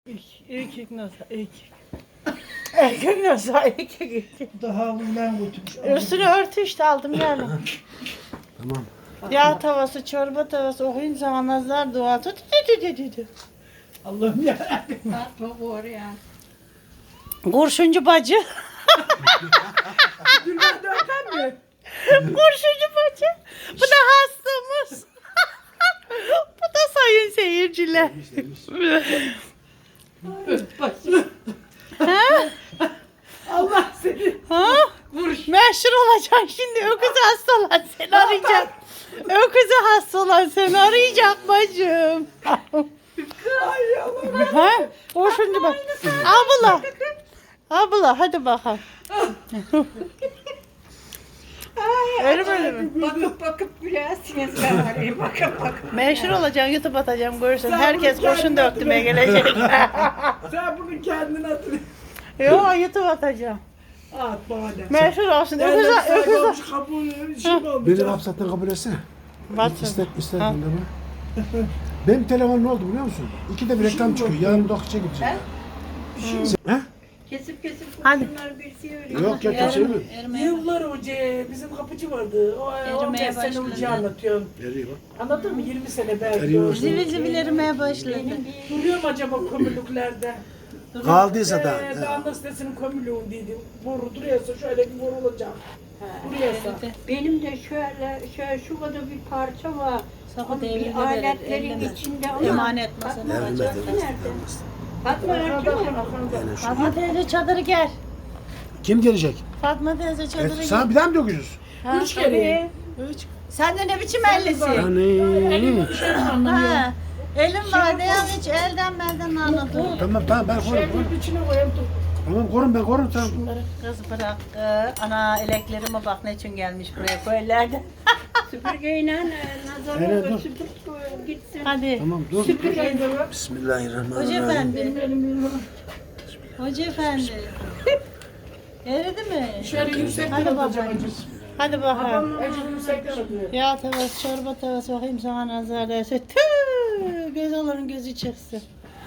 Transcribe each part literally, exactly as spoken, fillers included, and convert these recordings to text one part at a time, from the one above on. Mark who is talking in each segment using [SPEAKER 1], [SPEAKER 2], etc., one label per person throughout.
[SPEAKER 1] Erkek nasıl? Erkek. Erkek nasıl? Erkek erkek.
[SPEAKER 2] Daha havludan götürmüş.
[SPEAKER 1] Üstüne örtü işte aldım yani.
[SPEAKER 3] Tamam.
[SPEAKER 1] Yağ tavası, çorba tavası okuyun zaman nazar dua tut.
[SPEAKER 2] Allah'ım yarabbim.
[SPEAKER 4] Fatma oraya.
[SPEAKER 1] Kurşuncu bacı.
[SPEAKER 2] Gülben dörtten mi?
[SPEAKER 1] Kurşuncu bacı. Bu da hastamız. Bu da sayın seyirciler. Ha?
[SPEAKER 2] Allah seni.
[SPEAKER 1] Ha? Meşhur olacaksın şimdi. Öküzü hasta olan seni arayacak. Öküzü hasta olan seni arayacak bacım.
[SPEAKER 2] Ay Allah'ım.
[SPEAKER 1] Ha? Kurşuncu bacı. Abla. Abla hadi bakalım. Öyle böyle mi?
[SPEAKER 4] Bakıp bakıp gülersiniz bari. Bakıp bakıp.
[SPEAKER 1] Meşhur olacaksın, YouTube atacağım görürsün. Herkes kurşun döktüme gelecek.
[SPEAKER 2] Sen bunu kendin hatırlıyorsun.
[SPEAKER 1] Yo YouTube atacağım.
[SPEAKER 2] At bana.
[SPEAKER 1] Meşhur olsun.
[SPEAKER 2] Ben de
[SPEAKER 1] Öküz
[SPEAKER 2] bir sahibi
[SPEAKER 1] öküz.
[SPEAKER 2] olmuş kabul şey mi olmuş?
[SPEAKER 3] Beni hapsetten kabul etsene.
[SPEAKER 1] Batsın.
[SPEAKER 3] İster, ister
[SPEAKER 1] Ha.
[SPEAKER 3] dinleme. Benim telefon ne oldu biliyor musun? İkide bir reklam çıkıyor. Yarın dokuz'a gideceğim. He?
[SPEAKER 4] Kesip kesip
[SPEAKER 1] Hadi.
[SPEAKER 4] kurşunlar birisi öyle.
[SPEAKER 3] Yok ya kimse mi?
[SPEAKER 2] Yıllar önce bizim kapıcı vardı. O on beş sene önce anlatıyorum.
[SPEAKER 3] Nereye bak?
[SPEAKER 2] Anladın mı? yirmi sene belki.
[SPEAKER 3] Eriyor.
[SPEAKER 1] Zivil zivil erimeye başladı.
[SPEAKER 2] Duruyor mu acaba kömürlüklerde?
[SPEAKER 3] Kaldıysa da.
[SPEAKER 2] Ee, Dağında sitesinin kömürlüğün dedim. Boru duruyorsa şöyle bir boru olacak. Duruyorsa.
[SPEAKER 4] Benim de şöyle şöyle şu kadar bir parça var.
[SPEAKER 1] Sapı
[SPEAKER 4] Onun
[SPEAKER 1] devrinde
[SPEAKER 4] bir
[SPEAKER 1] verir,
[SPEAKER 4] aletlerin
[SPEAKER 1] elleme.
[SPEAKER 4] içinde ama.
[SPEAKER 1] Emanet masada.
[SPEAKER 4] Fatma
[SPEAKER 3] Vermez,
[SPEAKER 4] Fatma
[SPEAKER 3] vermez,
[SPEAKER 4] nerede?
[SPEAKER 3] vermez.
[SPEAKER 4] Fatma nerede?
[SPEAKER 3] Yani şu-
[SPEAKER 1] Fatma teyze çadırı gel.
[SPEAKER 3] Kim gelecek?
[SPEAKER 1] Fatma teyze
[SPEAKER 3] E,
[SPEAKER 1] çadırı gel.
[SPEAKER 3] sana bir daha mı döküyoruz?
[SPEAKER 1] Ha,
[SPEAKER 2] Üç kere.
[SPEAKER 1] Üç. Sen de ne biçim ellisin?
[SPEAKER 3] Yani.
[SPEAKER 1] Ha. Elim var diye hiç elden belden anladım.
[SPEAKER 3] Tamam tamam ben korurum. korurum.
[SPEAKER 2] Şöyle içine koyayım tut.
[SPEAKER 3] Tamam korum ben korurum tamam.
[SPEAKER 1] Kız bırak. Ee, ana eleklerime bak ne için gelmiş buraya köylerde.
[SPEAKER 4] Süpürgeyle e, nazarı
[SPEAKER 3] Evet, dur.
[SPEAKER 4] süpür gitsin.
[SPEAKER 1] Hadi.
[SPEAKER 3] Tamam dur.
[SPEAKER 2] Süpürgeyi de ver.
[SPEAKER 3] Bismillahirrahmanirrahim.
[SPEAKER 1] Hoca efendi.
[SPEAKER 2] Benim elim
[SPEAKER 1] Hoca efendi. Eridi mi?
[SPEAKER 2] şöyle yüksekten
[SPEAKER 1] Hadi
[SPEAKER 2] atacağım
[SPEAKER 1] bakalım.
[SPEAKER 2] acısı.
[SPEAKER 1] Hadi bakalım.
[SPEAKER 2] Acı yüksekten atıyor.
[SPEAKER 1] Ya tavası, çorba tavası bakayım sana nazar değse. Tüh! Göz olanın gözü çıksın.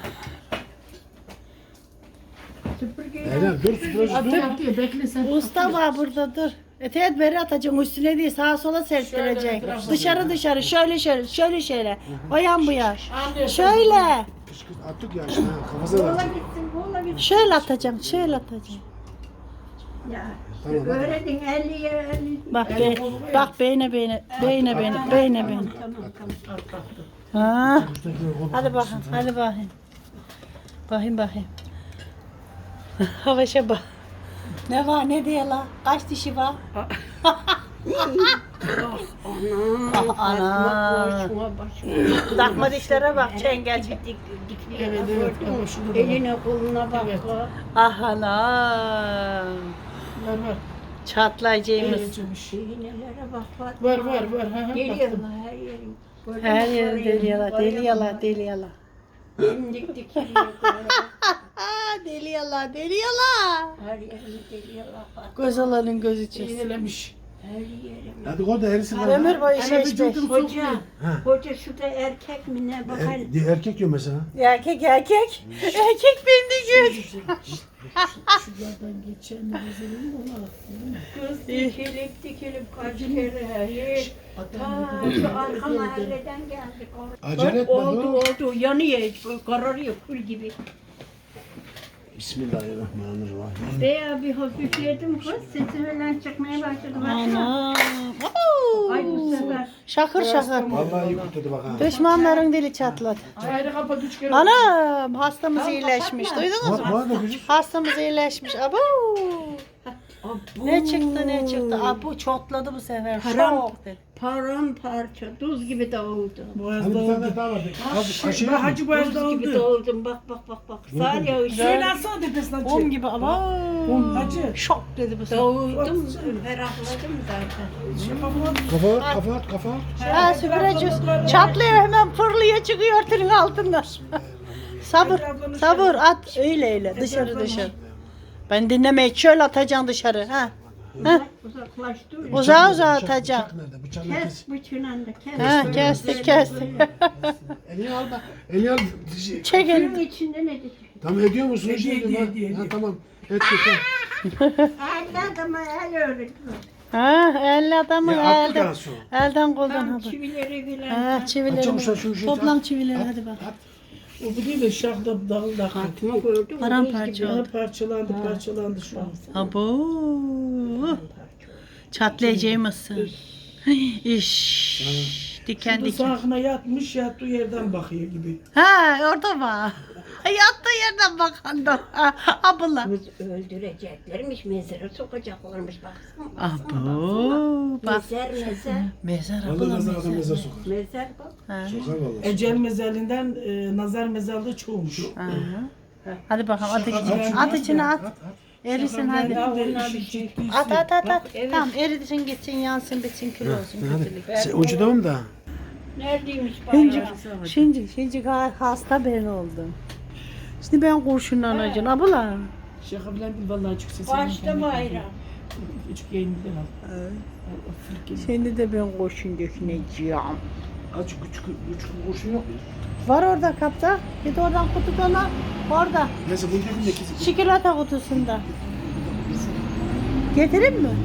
[SPEAKER 4] Süpürgeyle.
[SPEAKER 3] Eren dur süpürücü dur.
[SPEAKER 2] Atıyor bekle sen.
[SPEAKER 1] Usta var burada dur. Eteğet beri atacaksın üstüne değil sağa sola serptireceksin. Dışarı dışarı şöyle şöyle şöyle şöyle. O yan bu yan. Şöyle.
[SPEAKER 3] Kış kış attık ya şimdi ha, kafasına
[SPEAKER 4] Kola
[SPEAKER 3] da.
[SPEAKER 4] gitsin, kola gitsin.
[SPEAKER 1] Şöyle atacağım şöyle atacağım.
[SPEAKER 4] Ya.
[SPEAKER 3] Tamam,
[SPEAKER 4] Öğrenin elli elli.
[SPEAKER 1] Bak be, bak beyne beyne beyne beyne beyne beyne.
[SPEAKER 4] Tamam tamam.
[SPEAKER 1] Ha. Hadi bakayım hadi bakayım. Bakayım bakayım. Havaşa bak. Ne var ne diye la? Kaç dişi var?
[SPEAKER 4] Ana.
[SPEAKER 1] Ana.
[SPEAKER 4] Başıma başıma.
[SPEAKER 1] Takma dişlere bak çengel.
[SPEAKER 4] Dik dik
[SPEAKER 2] Evet,
[SPEAKER 4] dikliğine
[SPEAKER 2] evet,
[SPEAKER 4] gördün mü?
[SPEAKER 2] evet, şurada da var.
[SPEAKER 4] Eline koluna bak.
[SPEAKER 2] Evet.
[SPEAKER 4] bak.
[SPEAKER 1] Ah ana.
[SPEAKER 2] Var var.
[SPEAKER 1] Çatlayacağımız.
[SPEAKER 2] Eğlencemiş.
[SPEAKER 4] İğnelere bak. bak.
[SPEAKER 2] Var var var. Ha, ha,
[SPEAKER 4] Geliyorlar
[SPEAKER 2] baktım.
[SPEAKER 4] her yerin.
[SPEAKER 1] Her yer deli yala, deli yala, deli yala.
[SPEAKER 4] Benim dik dik geliyor.
[SPEAKER 1] Aa, deli yala, deli yala.
[SPEAKER 4] Her yerini geliyorlar. bak.
[SPEAKER 1] Göz alanın gözü çıksın.
[SPEAKER 2] İğnelemiş.
[SPEAKER 4] Her yerim.
[SPEAKER 3] Hadi koy da erisin.
[SPEAKER 1] Ömür boyu
[SPEAKER 2] Ana
[SPEAKER 1] şey
[SPEAKER 2] vücudum
[SPEAKER 1] işte.
[SPEAKER 4] Hoca,
[SPEAKER 3] Ha.
[SPEAKER 4] hoca şurada erkek mi ne bakar?
[SPEAKER 3] Er, di- erkek diyor mesela.
[SPEAKER 1] Erkek erkek. Erkek beni gül.
[SPEAKER 2] Şuradan geçen rezilin ona.
[SPEAKER 4] Göz dikilip dikilip kaç kere her Ta şu arka mahalleden geldik.
[SPEAKER 3] Acele etme
[SPEAKER 4] Oldu
[SPEAKER 3] dur.
[SPEAKER 4] oldu yanıyor kararıyor kül gibi.
[SPEAKER 3] Bismillahirrahmanirrahim.
[SPEAKER 4] Veya bir hafifledim kız sesi falan çıkmaya başladı.
[SPEAKER 1] Ana.
[SPEAKER 4] Ay bu sefer.
[SPEAKER 1] Şakır şakır.
[SPEAKER 3] Vallahi iyi kurtardı bak ha.
[SPEAKER 1] Düşmanların dili çatladı.
[SPEAKER 2] Ayrı kapat üç kere.
[SPEAKER 1] Anam hastamız iyileşmiş. Duydunuz
[SPEAKER 3] Bak
[SPEAKER 1] mu?
[SPEAKER 3] bana da küçük.
[SPEAKER 1] Hastamız iyileşmiş. Abo. Ne çıktı ne çıktı. Abo çotladı bu sefer.
[SPEAKER 4] Haram.
[SPEAKER 1] Şok dedi.
[SPEAKER 4] Paramparça tuz gibi dağıldı.
[SPEAKER 3] Hadi bir tane daha var. Az kaşığı
[SPEAKER 2] Bak hacı boyaz
[SPEAKER 4] Tuz gibi
[SPEAKER 2] oldu.
[SPEAKER 4] dağıldım bak bak bak bak. Sar ya
[SPEAKER 2] Şöyle atsana tepesinden
[SPEAKER 1] Bom
[SPEAKER 2] çek.
[SPEAKER 1] gibi ama.
[SPEAKER 2] Hacı.
[SPEAKER 1] Şok dedi bu sefer.
[SPEAKER 4] dağıldım ferahladım zaten.
[SPEAKER 3] Kafa at kafa at kafa at.
[SPEAKER 1] Ha süpüreceğiz. Çatlıyor hemen fırlıyor çıkıyor tırın altından. Sabır, sabır at öyle öyle dışarı dışarı. Ben dinlemeyi şöyle atacaksın dışarı ha. Heh.
[SPEAKER 4] Uzaklaştı.
[SPEAKER 1] Uzağa
[SPEAKER 3] Bıçak
[SPEAKER 1] uzağa
[SPEAKER 3] nerede? Bıçak-
[SPEAKER 1] atacağım.
[SPEAKER 3] Bıçak nerede? Bıçağını
[SPEAKER 4] Kes
[SPEAKER 3] kes.
[SPEAKER 4] bıçağını da kes.
[SPEAKER 1] Ha,
[SPEAKER 4] Böyle,
[SPEAKER 1] kestik
[SPEAKER 4] böyle,
[SPEAKER 1] kestik.
[SPEAKER 4] böyle.
[SPEAKER 3] Elini al da. Elini al. Şey,
[SPEAKER 1] Çek
[SPEAKER 4] Suyun
[SPEAKER 1] elini.
[SPEAKER 4] içinde ne dedi?
[SPEAKER 3] Tamam ediyor musun?
[SPEAKER 2] Ediyor,
[SPEAKER 3] Ediyor,
[SPEAKER 2] ediyor,
[SPEAKER 3] ha.
[SPEAKER 2] ediyor,
[SPEAKER 3] Ha,
[SPEAKER 2] ediyor.
[SPEAKER 3] tamam. Et et.
[SPEAKER 4] Elle adama el öğretiyor.
[SPEAKER 1] Ha, elli adamı
[SPEAKER 3] Ya attı
[SPEAKER 1] elden,
[SPEAKER 3] daha sonra.
[SPEAKER 1] elden koldan
[SPEAKER 4] Tam
[SPEAKER 1] hadi.
[SPEAKER 4] çivileri bilen.
[SPEAKER 1] Ha,
[SPEAKER 3] Açalım
[SPEAKER 1] çivileri.
[SPEAKER 3] sen şu işi.
[SPEAKER 1] Toplam
[SPEAKER 3] at.
[SPEAKER 1] çivileri
[SPEAKER 3] At,
[SPEAKER 1] hadi bak.
[SPEAKER 3] at.
[SPEAKER 2] O bu değil de şahda dalı da
[SPEAKER 4] Hatıma gördüm.
[SPEAKER 1] Paramparça
[SPEAKER 2] Ha,
[SPEAKER 1] oldu.
[SPEAKER 2] parçalandı parçalandı şu an.
[SPEAKER 1] Abo. Çatlayacağımızsın. İş. Diken
[SPEAKER 2] Şimdi
[SPEAKER 1] diken.
[SPEAKER 2] sağına yatmış yattığı yerden bakıyor gibi.
[SPEAKER 1] Ha orada var. Yattığı yerden bakan da. Ha, abla.
[SPEAKER 4] Kız öldüreceklermiş, mezara sokacaklarmış baksana.
[SPEAKER 1] Abo. Bak.
[SPEAKER 4] Mezar mezar.
[SPEAKER 1] Mezar
[SPEAKER 3] Vallahi
[SPEAKER 1] abla
[SPEAKER 3] nazar adam
[SPEAKER 1] mezar.
[SPEAKER 3] mezar sokar.
[SPEAKER 4] Mezar bak.
[SPEAKER 1] Ha.
[SPEAKER 3] Sokar vallahi.
[SPEAKER 2] Ecel mezarliğinden e, nazar mezarlığı çoğumuş.
[SPEAKER 1] Aha. Hadi bakalım at içine.
[SPEAKER 3] şunu,
[SPEAKER 1] At içine at.
[SPEAKER 3] At at.
[SPEAKER 1] Erisin hadi.
[SPEAKER 2] Ya
[SPEAKER 4] Onlar
[SPEAKER 2] onlar
[SPEAKER 4] bir
[SPEAKER 2] bir
[SPEAKER 4] şey.
[SPEAKER 2] şey.
[SPEAKER 1] At at at at. Tamam erisin gitsin yansın bitsin kül olsun kötülük.
[SPEAKER 3] Hadi. Sen ucu devam da.
[SPEAKER 4] Neredeymiş
[SPEAKER 1] Şimdi,
[SPEAKER 4] bayram?
[SPEAKER 1] şimdi, şimdi hasta ben oldum. Şimdi ben kurşunlanacağım abla.
[SPEAKER 2] Şaka bilen değil vallahi çok sesi.
[SPEAKER 4] Başta bayram.
[SPEAKER 2] Küçük yayınlıdan al.
[SPEAKER 1] Şimdi de ben kurşun döküneceğim.
[SPEAKER 3] Azıcık küçük küçük kurşun yok mu?
[SPEAKER 1] Var orada kapta. Git oradan kutudan al. Orada.
[SPEAKER 3] Neyse bunu dökün de kesin.
[SPEAKER 1] Çikolata kutusunda. Getireyim mi?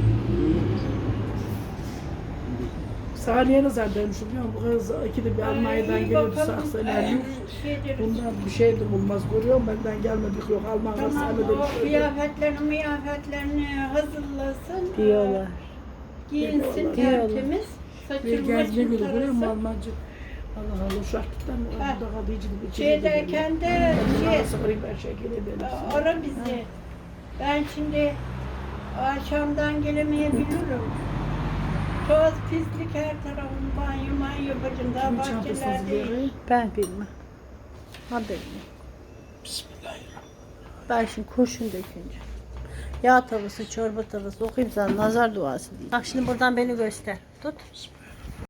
[SPEAKER 2] Saniye nazar demişim biliyor musun? Bu kız ikide bir Almanya'dan geliyordu saksalarmış. Bundan bir şey de bulmaz görüyorum benden gelmedik yok Almanya'dan
[SPEAKER 4] Tamam
[SPEAKER 2] sahnede
[SPEAKER 4] o
[SPEAKER 2] bir şey yok.
[SPEAKER 4] kıyafetlerini mıyafetlerini hazırlasın.
[SPEAKER 1] Diyorlar.
[SPEAKER 4] Giyinsin
[SPEAKER 2] Diyorlar.
[SPEAKER 4] tertemiz.
[SPEAKER 2] Bir
[SPEAKER 4] Saçını
[SPEAKER 2] gezme
[SPEAKER 4] başını
[SPEAKER 2] günü görüyor musun
[SPEAKER 4] tarasın.
[SPEAKER 2] Almancı? Allah Allah uşaklıktan
[SPEAKER 4] Ha.
[SPEAKER 2] orada kadıcı bir şey.
[SPEAKER 4] Şeydeyken de şey,
[SPEAKER 2] Sıfırayım ben şekil edelim.
[SPEAKER 4] ara bizi. Ben şimdi akşamdan gelemeyebilirim. Toz pislik her tarafım banyo banyo bacım daha
[SPEAKER 2] Kimin çantası
[SPEAKER 4] bahçelerdeyim.
[SPEAKER 2] hazırlıyor?
[SPEAKER 1] Ben bilmem. Ha bilmem.
[SPEAKER 3] Bismillahirrahmanirrahim.
[SPEAKER 1] Ben şimdi kurşun dökünce. Yağ tavası, çorba tavası okuyayım sana nazar duası diyeyim. Bak şimdi buradan beni göster. Tut.